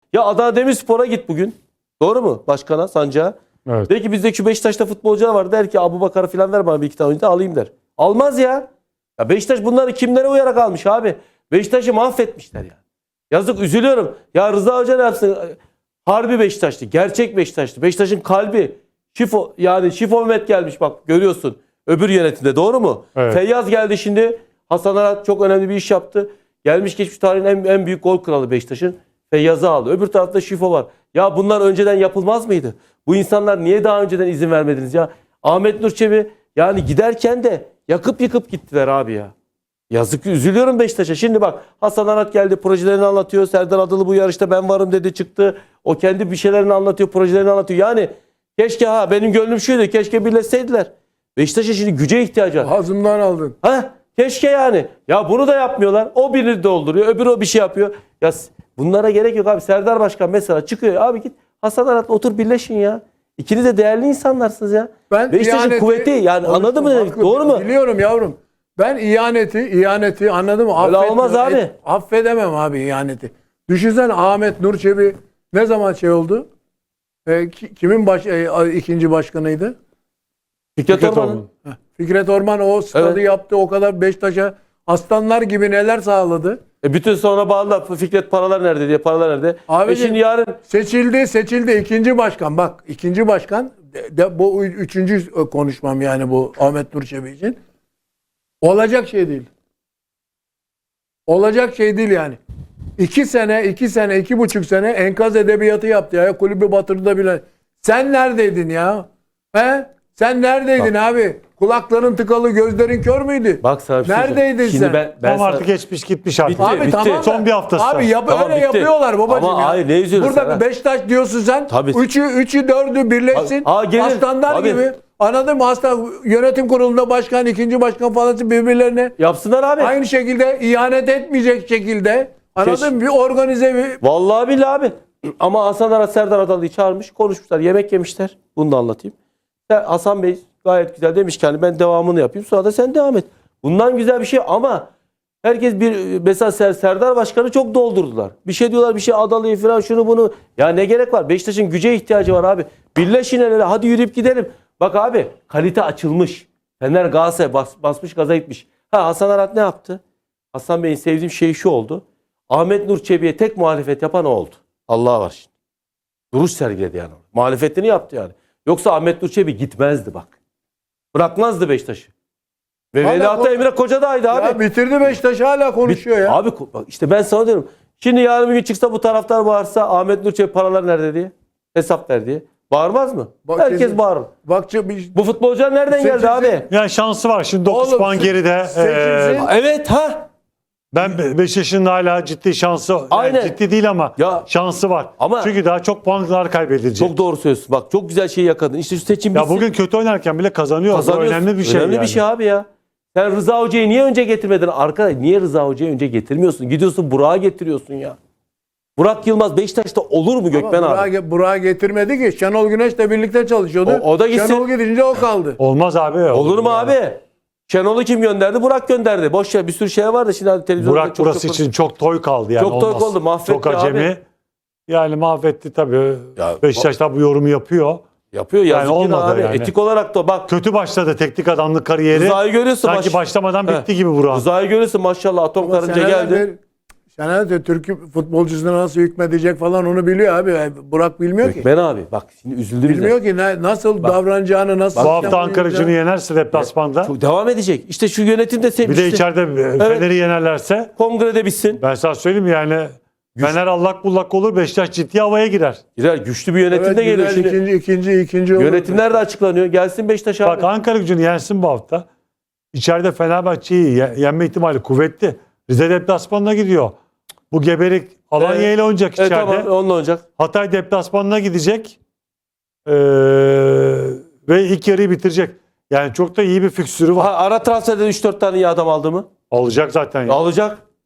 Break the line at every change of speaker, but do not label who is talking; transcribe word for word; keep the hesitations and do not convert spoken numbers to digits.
Ya Adana Demirspor'a git bugün. Doğru mu başkana, Sancağa?
Evet.
De ki bizdeki Beşiktaş'ta futbolcular var. Der ki Abubakar'ı falan ver bana bir iki tane oyuncu da alayım der. Almaz ya. Ya Beşiktaş bunları kimlere uyarak almış abi? Beşiktaş'ı mahvetmişler ya. Yazık, üzülüyorum. Ya Rıza Hoca ne yapsın? Harbi Beşiktaş'tı. Gerçek Beşiktaş'tı. Beşiktaş'ın kalbi. Şifo, yani Şifo Mehmet gelmiş bak görüyorsun. Öbür yönetimde, doğru mu?
Evet.
Feyyaz geldi şimdi. Hasan Arat çok önemli bir iş yaptı. Gelmiş geçmiş tarihin en, en büyük gol kralı Beşiktaş'ın. Feyyaz'ı aldı. Öbür tarafta Şifo var. Ya bunlar önceden yapılmaz mıydı? Bu insanlar niye daha önceden izin vermediniz ya? Ahmet Nur Çebi yani giderken de yakıp yıkıp gittiler abi ya. Yazık, üzülüyorum Beşiktaş'a. Şimdi bak Hasan Arat geldi, projelerini anlatıyor. Serdar Adalı bu yarışta ben varım dedi, çıktı. O kendi bir şeylerini anlatıyor, projelerini anlatıyor. Yani keşke, ha benim gönlüm şuydu, keşke birleşseydiler. Beşiktaş'a şimdi güce ihtiyacı var.
Ağzımdan aldın.
Ha, keşke yani. Ya bunu da yapmıyorlar. O birini dolduruyor, öbürü o bir şey yapıyor. Ya bunlara gerek yok abi. Serdar Başkan mesela çıkıyor. Abi git Hasan Arat'la otur birleşin ya. İkiniz de değerli insanlarsınız ya.
Ben
Beşiktaş'ın
ihaneti-
kuvveti yani, anladın mı?
Haklı,
Doğru mu?
Biliyorum yavrum. Ben ihaneti, ihaneti anladın mı?
Öyle
Affet-
olmaz abi.
et- affedemem abi ihaneti. Düşünsene Ahmet Nur Çebi ne zaman şey oldu? E, ki- kimin baş, e, ikinci başkanıydı?
Fikret
Fikret
Orman'ın.
Orman.
Heh, Fikret Orman o stadı
Evet.
yaptı. O kadar Beşiktaş'a aslanlar gibi neler sağladı.
E bütün sonra bağlılar. Fikret paralar nerede diye, paralar nerede?
Abicim,
e şimdi yarın
Seçildi, seçildi ikinci başkan. Bak ikinci başkan de, de, bu üçüncü konuşmam yani bu Ahmet Nur Çebi için. Olacak şey değil. Olacak şey değil yani. İki sene, iki sene, iki buçuk sene enkaz edebiyatı yaptı ya. Kulübü batırdı bile. Sen neredeydin ya? He? Sen neredeydin
Bak.
abi? Kulakların tıkalı, gözlerin kör müydü?
bak sana bir şey
Neredeydin
söyleyeyim. Şimdi
sen?
ben, ben
Tam
sana-
artık geçmiş gitmiş artık.
Bitti.
Abi tamam da-
Son bir haftası.
Abi yap,
Tamam,
öyle
bitti.
yapıyorlar babacığım
Ama
ya.
hayır, ne üzülüyorsun
Burada
sen,
bir
ha?
Beşiktaş diyorsun sen.
Tabii.
Üçü, üçü dördü birleşsin.
Aa, gelir.
Aslanlar
Tabii.
gibi. Anladın mı? Aslan yönetim kurulunda başkan, ikinci başkan falan birbirlerine
yapsınlar abi.
aynı şekilde ihanet etmeyecek şekilde. Anladın mı? Bir organize bir...
Vallahi billahi abi. Ama Hasan Arat Serdar Adalı'yı çağırmış, konuşmuşlar, yemek yemişler. Bunu da anlatayım. Ya Hasan Bey gayet güzel demiş ki hani ben devamını yapayım, sonra da sen devam et. Bundan güzel bir şey ama herkes bir, mesela Ser- Serdar Başkan'ı çok doldurdular. Bir şey diyorlar, bir şey Adalı'yı falan, şunu bunu. Ya ne gerek var? Beşiktaş'ın güce ihtiyacı var abi. Birleşin el ele, hadi yürüyüp gidelim. Bak abi, kalite açılmış. Fener Galatasaray bas, basmış gaza gitmiş. Ha, Hasan Arat ne yaptı? Hasan Bey'in sevdiğim şey şu oldu. Ahmet Nur Çebi'ye tek muhalefet yapan o oldu. Allah var şimdi. Duruş sergiledi yani. Muhalefetini yaptı yani. Yoksa Ahmet Nur Çebi gitmezdi bak. Bırakmazdı Beşiktaş'ı. Ve
Hala
veliahtı
kon-
Emre Kocadağ'ydı abi.
Ya bitirdi Beşiktaş hala konuşuyor
Bit-
ya.
Abi ko- bak işte ben sana diyorum. Şimdi yarın bir gün çıksa bu taraftar bağırsa Ahmet Nur Çebi paralar nerede diye. Hesap ver diye. Bağırmaz mı?
Bak
Herkes
kesin-
bağırır.
Bak bir-
Bu futbolcular nereden geldi
Seçilsin.
abi?
Yani şansı var. Şimdi dokuz
Oğlum,
puan
se-
geride.
seçilsin.
Ee,
Evet ha.
ben Beşiktaş'ın hala ciddi şansı. Yani
Aynen.
ciddi değil ama
Ya-
şansı var.
Ama-
Çünkü daha çok puanlar kaybedilecek.
Çok doğru söylüyorsun. Bak çok güzel şeyi yakaladın. İşte şu seçim
Ya
bitsin.
bugün kötü oynarken bile kazanıyor. Bu
Kazanıyorsun.
önemli bir şey
Önemli
yani.
bir şey abi ya. Sen Rıza Hoca'yı niye önce getirmedin? Arkadaş niye Rıza Hoca'yı önce getirmiyorsun? Gidiyorsun Burak'ı getiriyorsun ya. Burak Yılmaz Beşiktaş'ta olur mu Gökmen
Ama
abi?
Burak'ı Burak'ı getirmedi ki. Şenol Güneş'le birlikte çalışıyordu.
O- o da gitsin.
Şenol gidince o kaldı.
Olmaz abi.
Olur mu
yani.
abi? Şenol'u kim gönderdi? Burak gönderdi. Boş ver, bir sürü şey var da şimdi hani televizyonda
Burak
çok
burası
çok-
için çok toy kaldı yani.
Çok toy
olmaz.
kaldı, mahvetti
Çok acemi.
abi.
Yani mahvetti tabii.
Ya,
Beşiktaş da bu yorumu yapıyor.
yapıyor
Yani
yazık yine
olmadı
abi.
yani.
Etik olarak da bak
Kötü başladı teknik adamlık kariyeri.
Rıza'yı görüyorsun.
Sanki
baş-
başlamadan
He.
bitti gibi Burak.
Rıza'yı görüyorsun maşallah, atom
Ama
karınca
seneler
geldi.
bir- Senelerdir Türk futbolcusuna nasıl hükmedecek falan onu biliyor abi. Burak bilmiyor ki.
Gökmen abi bak şimdi üzüldüm bize.
Bilmiyor ki ne, nasıl davranacağını, nasıl...
Bu hafta
yapacağını.
Ankara Gücü'nü yenerse deplasmanda.
Çok devam edecek. İşte şu yönetim de
Bir
sevmişti.
de içeride Fener'i yenerlerse
Kongrede bitsin.
ben sana söyleyeyim yani Fener allak bullak olur, Beşiktaş ciddi havaya girer.
Girer, güçlü bir yönetim
Evet,
de geliyor
güzel,
şimdi.
ikinci, ikinci, ikinci olur.
Yönetimler de açıklanıyor. Gelsin Beşiktaş abi.
Bak Ankara Gücü'nü yensin bu hafta. İçeride Fenerbahçe'yi ye- yenme ihtimali kuvvetli. Rize deplasmanına gidiyor. Bu geberik Alanya
Evet.
ile oynayacak
Evet,
içeride.
tamam onunla olacak.
Hatay deplasmanına gidecek. Ee, ve ilk yarıyı bitirecek. Yani çok da iyi bir fiksürü var.
Ha, ara transferde üç dört tane iyi adam aldı mı?
Alacak zaten. ya.
Alacak.